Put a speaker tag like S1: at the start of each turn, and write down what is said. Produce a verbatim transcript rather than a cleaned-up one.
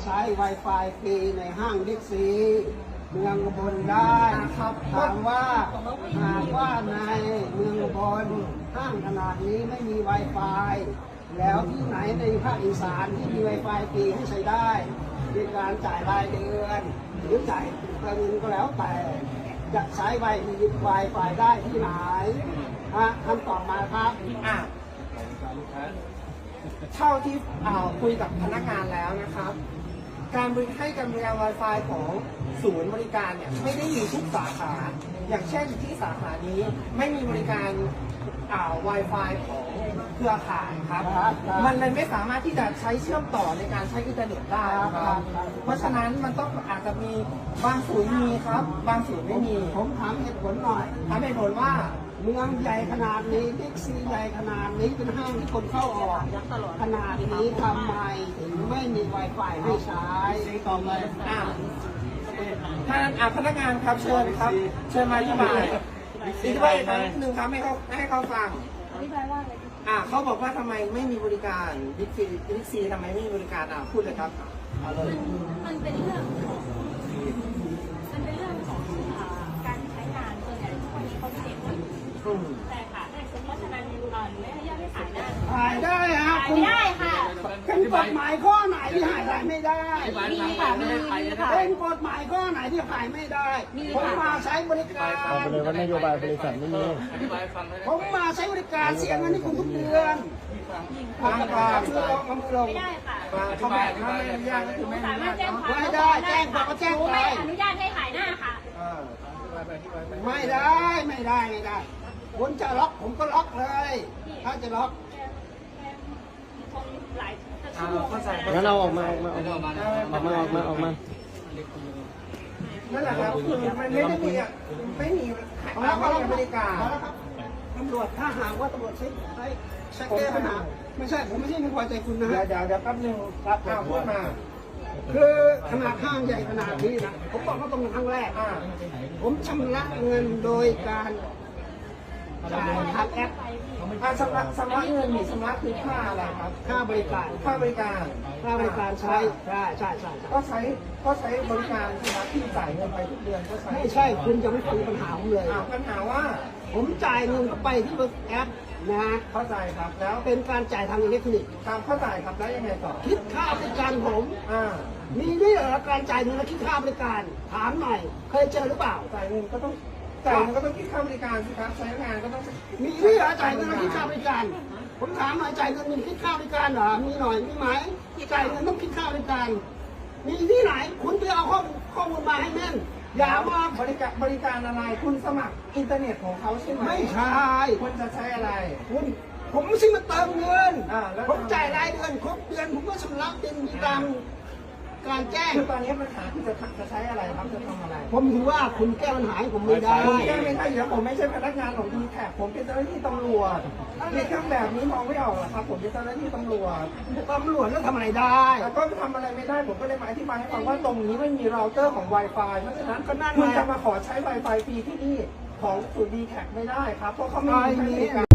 S1: ใช้ Wi-Fi ฟรีในห้างบิ๊กซีเมืองอุบลได้ครับถามว่าหากว่าในเมืองอุบลห้างขนาดนี้ไม่มี Wi-Fi แล้วที่ไหนในภาคอีสานที่มี Wi-Fi ฟรีให้ใช้ได้ในการจ่ายรายเดือนหรือจ่ายเงินก็แล้วแต่จะใช้ไวไวไฟได้ที่ไหนฮะคำตอบมาครับ
S2: อ่ะเท่าที่คุยกับพนักงานแล้วนะครับการบริให้การบริการ Wi-Fi ของศูนย์บริการเนี่ยไม่ได้มีทุกสาขาอย่างเช่นที่สาขานี้ไม่มีบริการอ่า Wi-Fi ของเครือข่ายครับมันเลยไม่สามารถที่จะใช้เชื่อมต่อในการใช้อินเทอร์เน็ตได้ครับเพราะฉะนั้นมันต้องอาจจะมีบางศูนย์มีครับบางศูนย์ไม่มี
S1: ผมถามเหตุผลหน่อย
S2: ถามเหตุผลว่า
S1: เมืองใหญ่ขนาดนี้บิ๊กซีใหญ่ขนาดนี้เป็นห้างที่คนเข้าออกขนาดนี้ทำไมถึงไม่มี Wi-Fi ให้ใช้ต่อมา
S2: อ่าท่านอ่าพนักงานครับเชิญครับเชิญมาอธิบายอธิบายอีกครั้งหนึ่งครับให้เขาให้เขาฟัง
S3: อธิบายว่าอะไร
S2: อ่าเขาบอกว่าทำไมไม่มีบริการบิ๊กซีบิ๊กซีทำไมไม่มีบริการอ่าพูดเลยครับเอาเลย
S3: มันเป็นเรื่องของมันเป็นเรื่องของการใช้งานส่วนใหญ่ทุกวันนี้เขาเด็กแต่ค่ะเพราะฉะนั้นเราไม่ให้ญาติให้ขายได้
S1: ขายได้ฮะ
S3: ขายไม่ได้ค่ะ
S1: เป็นกฎหมายข้อไหนที่ขายได้ไม่ได้
S3: มีค่ะมีค่ะ
S1: เป็นกฎหมายข้อไหนที่ขายไม่ได้ผมมาใช้บริการ
S4: เอาไปเลยว่านโยบายบริษัทไม่มี
S1: ผมมาใช้บริการเสียเงินให้คุณทุกเดือน
S2: ฟังก่อน
S1: คือลงมือลง
S3: ไม่ได้ค่ะ
S2: เขาบอกว่าไม่อนุญาตก็คือไม่อนุญาต
S1: ไม่ได้แจ้งความก็แจ้งไป
S3: ไม่อนุญาตให้ขายหน้าค่ะ
S1: ไม่ได้ไม่ได้ไม่ได้คุณจะล็อกผมก็ล็อกเลยถ้าจะล็อก
S4: งั้นเอาออกมาออกมาออกมาออกมาออกมาออกมา
S2: นั่นแหละครับคือมันไม่ได้มีไม่มีแล้วก็บริการ
S1: ตำรวจถ้าหากว่าตำรวจใช้ใช้ใช้แก้ปัญหาไม่ใช่ผมไม่ใช่ไม่พอใจคุณนะ
S2: เดี๋ยวเดี๋ยวเดี๋ยวแป๊บนึงครับพูดมา
S1: คือขนาดห้างใหญ่ขนาดนี้นะผมบอกว่าตรงครั้งแรกผมชำระเงินโดยการจ่ายทางแอป
S2: ชำระชำระเงินมีชำระคือค่าอะไรครับ
S1: ค่าบริการ
S2: ค่าบริการ
S1: ค่าบริการใช้ใช่ใช่ใช่
S2: ก็ใช้ก็ใช้บริการชำระที่จ่ายเงินไปทุกเดือนก็ใช้
S1: ไม่ใช่คุณจะไม่ฟังปัญหาผมเลย
S2: ปัญหาว่า
S1: ผมจ่ายเงินเข้าไปที่แอปนะ
S2: เข้าใจครับแล้ว
S1: เป็นการจ่ายทางอิเล็กทรอนิกส์
S2: ครับเข้าใจครับแล้วยังไงต่อ
S1: คิดค่าบริการผม
S2: อ่า
S1: มีด้วยเหรอการจ่ายเงินและคิดค่าบริการถามหน่อยเคยเจอหรือเปล่า
S2: จ่ายเงินก็ต้องจ่ายเงินก็ต้องคิดค่าบริการสิครับใช้งานก็ต้อง
S1: มีด้วยเหรอจ่ายเงินและคิดค่าบริการผมถามหน่อยจ่ายเงินมีคิดค่าบริการเหรอมีหน่อยมีไหมจ่ายเงินต้องคิดค่าบริการมีที่ไหนคุณไปเอาข้อมูลข้อมูลมาให้แม่นอย่ามา
S2: บริการบริการอะไรคุณสมัครอินเทอร์เน็ตของเขาใช่ไหม
S1: ไม่ใช่
S2: คุณจะใช้อะไร
S1: คุณผมไม่ใช่มาเติมเงินผมจ่ายรายเดือนครบเดือนผมก็ชำระเป็นตามการแจ้ง
S2: คือตอนนี้ปัญหาคือจะจะใช้อะไรครับจะทำอะไร
S1: ผมถือว่าคุณแก้ปัญหาผมไม่ได้
S2: ผมแก้ไม่ได้เดี๋ยวผมไม่ใช่พนักงานของดีแท็กผมเป็นเจ้าหน้าที่ตำรวจในเครื่องแบบนี้มองไม่ออกหรอครับผมเป็นเจ้าหน้าที่ตำรวจ
S1: ตำรวจแล้วทำอะไรได้
S2: ก็ทำอะไรไม่ได้ผมก็เลยมาอธิบายให้ฟังว่าตรงนี้ไม่มีเราเตอร์ของ Wi-Fi เพราะฉะนั้นก็นั่นคุณจะมาขอใช้ Wi-Fi ฟรีที่นี่ของศูนย์ดีแท็กไม่ได้ครับเพราะเขาไม่มีให้บริการ